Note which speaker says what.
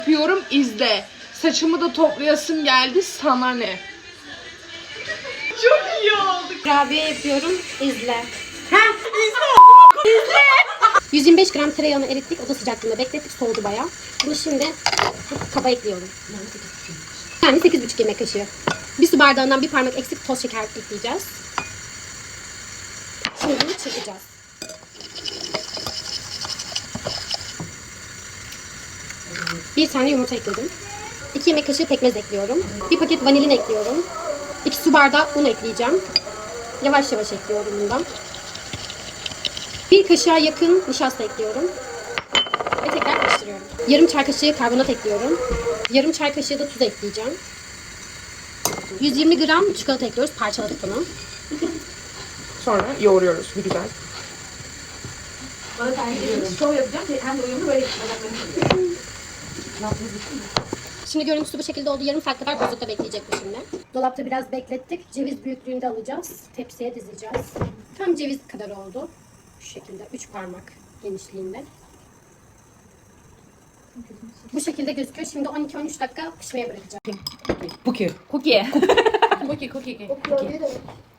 Speaker 1: Yapıyorum, izle. Saçımı da toplayasım geldi, sana ne? Çok iyi oldu.
Speaker 2: Kurabiye yapıyorum. İzle. İzle. 125 gram tereyağını erittik. Oda sıcaklığında beklettik. Soğudu bayağı. Bunu şimdi kaba ekliyorum. Yani 8,5 yemek kaşığı. Bir su bardağından bir parmak eksik toz şeker ekleyeceğiz. Şimdi bunu çırpacağız. Bir tane yumurta ekledim. 2 yemek kaşığı pekmez ekliyorum. Bir paket vanilin ekliyorum. 2 su bardağı un ekleyeceğim. Yavaş yavaş ekliyorum bundan. Bir kaşığa yakın nişasta ekliyorum. Ve tekrar karıştırıyorum. Yarım çay kaşığı karbonat ekliyorum. Yarım çay kaşığı da tuz ekleyeceğim. 120 gram çikolata ekliyoruz. Parçaladık bunu.
Speaker 1: Sonra yoğuruyoruz bir güzel.
Speaker 3: Şov yapacağım. Hem de uyumlu böyle bacaklarını
Speaker 2: Şimdi görüntüsü bu şekilde oldu. Yarım saat kadar buzlukta bekleyecek bu şimdi. Dolapta biraz beklettik. Ceviz büyüklüğünde alacağız. Tepsiye dizeceğiz. Tam ceviz kadar oldu. Şu şekilde 3 parmak genişliğinde. Bu şekilde gözüküyor. Şimdi 12-13 dakika pişmeye bırakacağım.
Speaker 1: Cookie.
Speaker 3: Cookie. Cookie. Cookie.